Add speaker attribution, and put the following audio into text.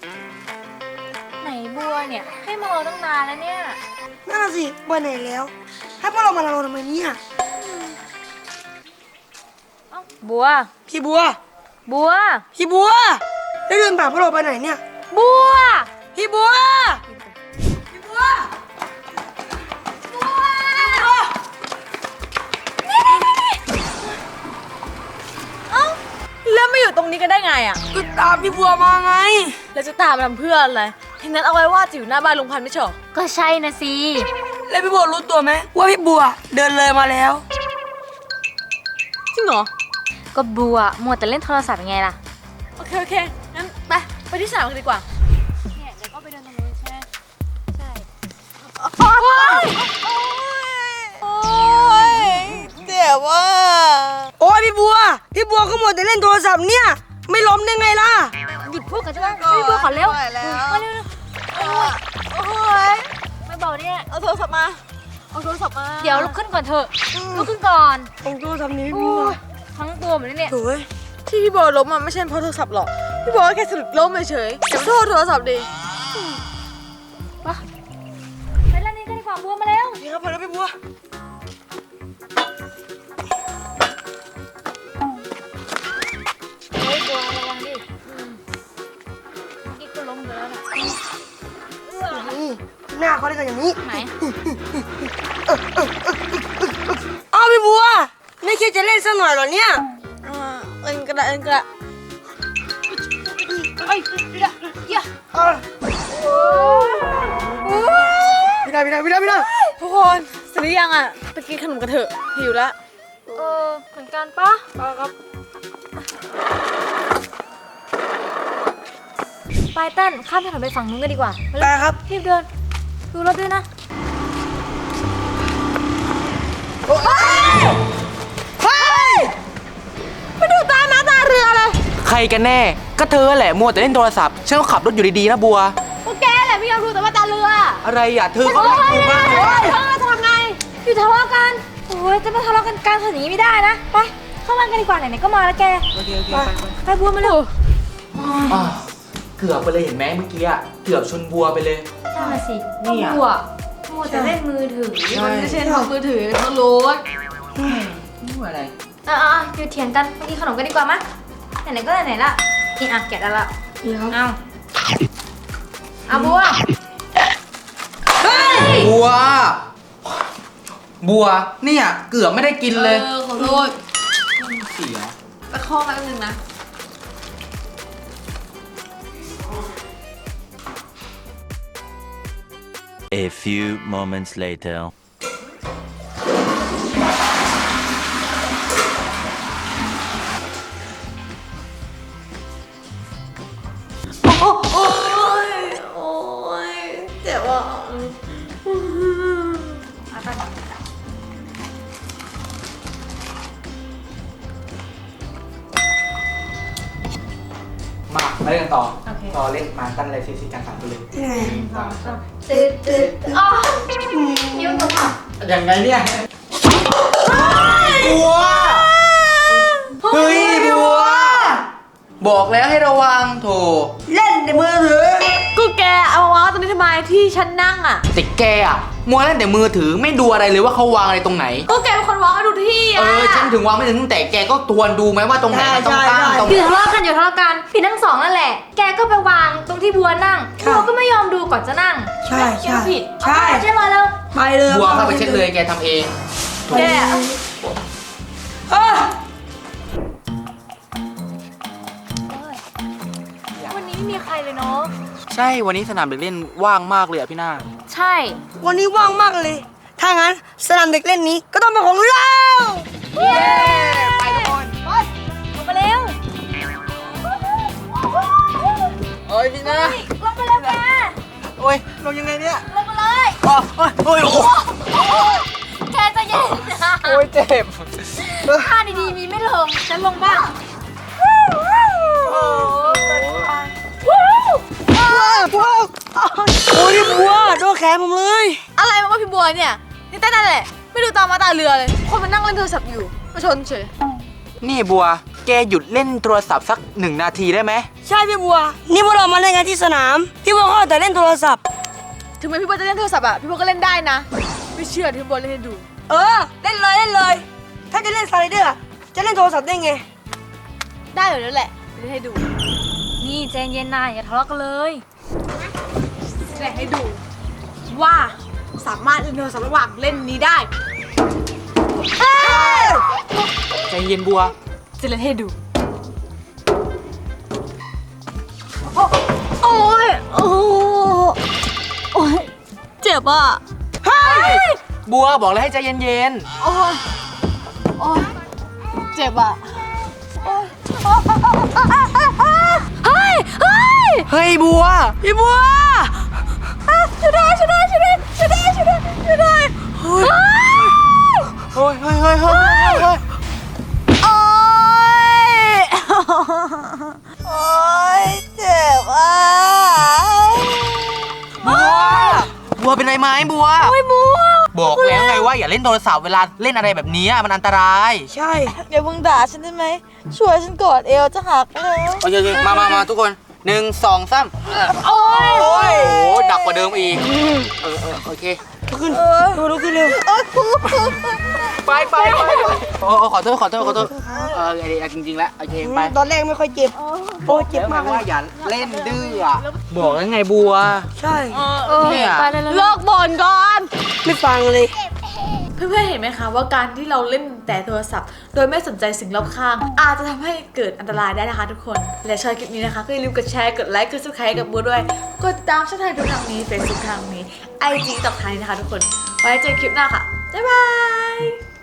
Speaker 1: ไหนบัวเนี่ยให้มารอตั้งนานแล้วเนี่ย
Speaker 2: น่าสิไปไหนแล้วให้พวกเรามารอทำไมเนี่ย
Speaker 1: บัว
Speaker 2: พี่บัว
Speaker 1: บัว
Speaker 2: พี่บัวได้เดินผ่านพวกเราไปไหนเนี่ย
Speaker 1: บัว
Speaker 2: พี่บัวพี่บัว
Speaker 3: แล้วไม่อยู่ตรงนี้กันได้ไงอ่ะ
Speaker 2: ก็ตามพี่บัวมาไง
Speaker 3: แล้วจะตามมาทำเพื่ออะไรทีนั้นเอาไว้ว่าจะอยู่หน้าบ้านลุงพันธุ์ไม่ใช่หรอ
Speaker 1: ก็ใช่นะสิ
Speaker 2: แล้วพี่บัวรู้ตัวไหมว่าพี่บัวเดินเลยมาแล้ว
Speaker 3: จริงเหรอ
Speaker 1: ก็บัวมัวแต่เล่นโทรศัพท์ยังไงล่ะ
Speaker 3: โอเคงั้นไปที่สนามกันดีกว่า
Speaker 1: เนี่ยเดี๋ยวก็ไปเดินตรงนู้นใช่ไหมใช่
Speaker 3: โอ๊ยเจ็บว่ะ
Speaker 2: โอ้ยพี่บัวก็มัวแต่เล่นโทรศัพท์เนี่ยไม่ล้มได้ไงล่ะ
Speaker 1: หยุดพูดกันใช่ไหมพี่บัวขอเร็วมาเร็ว
Speaker 3: โอ้ย
Speaker 1: ไม่บอกเนี่ย
Speaker 3: เอาโทรศัพท์มา
Speaker 1: เดี๋ยวลุกขึ้นก่อนเถอะลุกขึ้นก่อน
Speaker 2: โทรศัพท์นี้พี่บัว
Speaker 1: ทั้งตัวเหมือนเนี่ย
Speaker 2: โอ้ย
Speaker 3: ที่พี่บัวล้มไม่ใช่เพราะโทรศัพท์หรอกพี่บัวแค่สะดุดล้มเฉยๆแต่โทษโทรศัพท์ดิ
Speaker 1: ไปเล่นนี่กันดีกว่าบัวมาเร็ว
Speaker 2: นี่ครับพอแล้วพี่บัว
Speaker 1: เฮ้ยบัวระวังดิกิ๊กก็ล้มไปแล้วนะ
Speaker 2: นี่หน้าเขาได้กันอย่างนี้
Speaker 1: ไหน
Speaker 2: อ้าวพี่บัวไม่คิดจะเล่นสักหน่อยหรอเนี่ย
Speaker 3: เอ็นกระ
Speaker 1: เอ้ย
Speaker 2: พี่ได้
Speaker 3: ทุกคนเสร็จหรือยังอ่ะไปกินขนมกันเถอะหิวแล้ว
Speaker 1: เหมือนกันปะ
Speaker 2: ครับ
Speaker 1: ไปเต้นข้ามถนนไปฝั่งนู้นกันดีกว่า
Speaker 2: ไปครับ
Speaker 1: รีบเดินดูรถด้วยนะ
Speaker 3: ไปดูตาม้าตาเรือเลย
Speaker 4: ใครกันแน่ก็เธอแหละมัวแต่เล่นโทรศัพท์ฉันก็ขับรถอยู่ดีๆนะบัว
Speaker 3: พวกแกแหละไม่ยอมดูแต่ว่าตาเรือ
Speaker 4: อะไรอ่ะเธอก็ไม่ถูกมากเลย
Speaker 3: จะทำไง
Speaker 1: อยู่ทะเลาะกันโอ้ยจะมาทะเลาะกันกลางถนนอย่างนี้ไม่ได้นะไปเข้าบ้านกันดีกว่าไหนๆก็มาแล้วแก
Speaker 4: โอเค
Speaker 1: ไปบัวมาเร็ว
Speaker 4: เกือบไปเลยเห็นไหมเมื่อกี้อ่ะเกือบชนบัวไปเลย
Speaker 1: ใช่สิบัวมัวแต่เล่นมือถือ
Speaker 3: มันไม่ใช่ของมือถือเขารถ
Speaker 4: นี่อะไร
Speaker 1: หยุดเถียงกันไปกินขนมกันดีกว่ามั้ยไหนๆก็ไหนๆละนี่แกะได้ละเอาบัว
Speaker 4: บัวเนี่ยเกือบไม่ได้กินเลย
Speaker 3: ขอโทษ
Speaker 4: เสีย
Speaker 3: ตะคอกมาแป๊บนึงนะ
Speaker 5: A few moments later
Speaker 3: เจ็บอ่ะ
Speaker 4: มาไปกันต่อเล่นมาตั้งอะไรซีกัน3ตัวเลย
Speaker 1: ตื่นยิ้มหนูค่ะ
Speaker 4: อย่างไงเนี่ยบัวเฮ้ยบัวบอกแล้วให้ระวังโถ
Speaker 2: เล่นในมือถือ
Speaker 3: ก็แกเอามาวางตรงนี้ทำไมที่ฉันนั่งอ่ะ
Speaker 4: แต่แกอ่ะมัวเล่นแต่มือถือไม่ดูอะไรเลยว่าเขาวางอะไรตรงไหน
Speaker 3: ก็แกเป็นคนวางให้ดูที่อ่ะ
Speaker 4: ฉันถึงวางไม่ถึงแต่แกก็ทวนดูไหมว่าตรงไหนมันต้องตั้ง
Speaker 1: อยู่ทะเลาะกันผิดทั้งสองนั่นแหละแกก็ไปวางตรงที่บัวนั่งบัวก็ไม่ยอมดูก่อนจะนั่ง
Speaker 2: ใช่
Speaker 1: ผิดเช็คมาแล้ว
Speaker 2: ไปเลย
Speaker 4: บัวเข้าไปเช็คเลยแกทำเอง
Speaker 3: แก
Speaker 1: วันนี้ไม่มีใครเลยเนาะ
Speaker 4: ใช่วันนี้สนามเด็กเล่นว่างมากเลยอ่ะพี่นา
Speaker 1: ใช่
Speaker 2: วันนี้ว่างมากเลยถ้างั้นสนามเด็กเล่นนี้ก็ต้องเป็นของเรา
Speaker 4: เย้ไปทุกคน
Speaker 1: ไปลงมาเร็ว
Speaker 4: โอ้ยพี่นา
Speaker 1: ลงมาเร็วแก
Speaker 4: โอ้ยลงยังไงเนี่ย
Speaker 1: ลงมาเลย
Speaker 4: โอ้ย
Speaker 1: แกจะเย็น
Speaker 4: โอ้ยเจ็บ
Speaker 1: ท่าดีๆมีไม่ลงฉันลงบ้าง
Speaker 2: โอ้ยบัวโดนแขนผมเลย
Speaker 3: อะไรมาว่าพี่บัวเนี่ยนี่เต้นนั่นแหละไม่ดูตามาตาเรือเลยคนมันนั่งเล่นโทรศัพท์อยู่มาชนเฉย
Speaker 4: นี่บัวแกหยุดเล่นโทรศัพท์สัก1 นาทีได้ไหม
Speaker 2: ใช่พี่บัว นี่พวกเรามาเล่นกันที่สนาม พี่บัวก็เอาแต่เล่นโทรศัพท์
Speaker 3: ถึงแม้พี่บัวจะเล่นโทรศัพท์อะพี่บัวก็เล่นได้นะ ไม่เชื่อที่พี่บัวเล่นให้ดู
Speaker 2: เออ เล่นเลยเล่นเลย ถ้าจะเล่นสไลเดอร์อะจะเล่นโทรศัพท์ได้ไง
Speaker 3: ได้อยู่แล้วแหละเล่นให้ดู
Speaker 1: นี่ใจเย็นนะอย่าทะเลาะกันเลย
Speaker 3: แสดงให้ดู ว่าสามารถเล่นโทรศัพท์ระหว่างเล่นนี้ได้
Speaker 4: ใจเย็นบัว
Speaker 3: จะเล่นให้ดู โอ้ยโอ้โอ้ยเจ็บอ่ะ
Speaker 4: บัวบอกแล้วให้ใจเย็น
Speaker 3: โอ้ยโอ้ยเจ็บอ่ะ
Speaker 1: เฮ้ย เฮ้ย
Speaker 4: ๆ เฮ้ยบัว
Speaker 2: พี่บัว
Speaker 1: ช่วยด้วยช่วยด้วยช่วยด้วยช่วยด้วยช่วยด้วยช่วยด้วย
Speaker 4: เฮ้ยเฮ้ยเฮ้ยเฮ้ยเฮ้ย
Speaker 1: โอ๊ย
Speaker 2: โอ๊ยเจ็บอ่ะ
Speaker 4: บัวเป็นไรไหมบัว
Speaker 1: โอ้ยบัว
Speaker 4: บอกแล้วไงว่าอย่าเล่นโทรศัพท์เวลาเล่นอะไรแบบนี้มันอันตราย
Speaker 2: ใช่
Speaker 3: อย่ามึงด่าฉันได้ไหม ช่วยฉันกอดเอวจะหักแล้ว
Speaker 4: โอเคมาทุกคน1 2 3
Speaker 1: โอ๊ย
Speaker 4: โอ้โหดักกว่าเดิมอีกโอเค
Speaker 2: ลุกขึ้นลุกขึ้นเร็ว
Speaker 4: ไปโอ้ขอโทษจริงๆแล้วโอเคไป
Speaker 2: ตอนแรกไม่ค่อยเจ็บ โอ้เจ็บ
Speaker 4: แล้วไง
Speaker 2: มากเล
Speaker 4: ว่าย อย่าเล่นดื้ออะบอกแล้วไงบัว
Speaker 2: ใช่
Speaker 4: เนี่ย
Speaker 1: ไปเลยเลย
Speaker 3: เลิกบ่นก่อน
Speaker 2: ไม่ฟังเลย
Speaker 3: เพื่อนๆเห็นไหมคะว่าการที่เราเล่นแต่โทรศัพท์ โดยไม่สนใจสิ่งรอบข้าง อาจจะทำให้เกิดอันตรายได้นะคะทุกคน และชอบคลิปนี้นะคะก็อย่าลืมกดแชร์กดไลค์กด subscribe กับบัวด้วย กดติดตามช่องทางทุกทางนี้ Facebook ทางนี้ IG ต่อทางนี้นะคะทุกคน ไว้เจอคลิปหน้าค่ะ บ๊ายบาย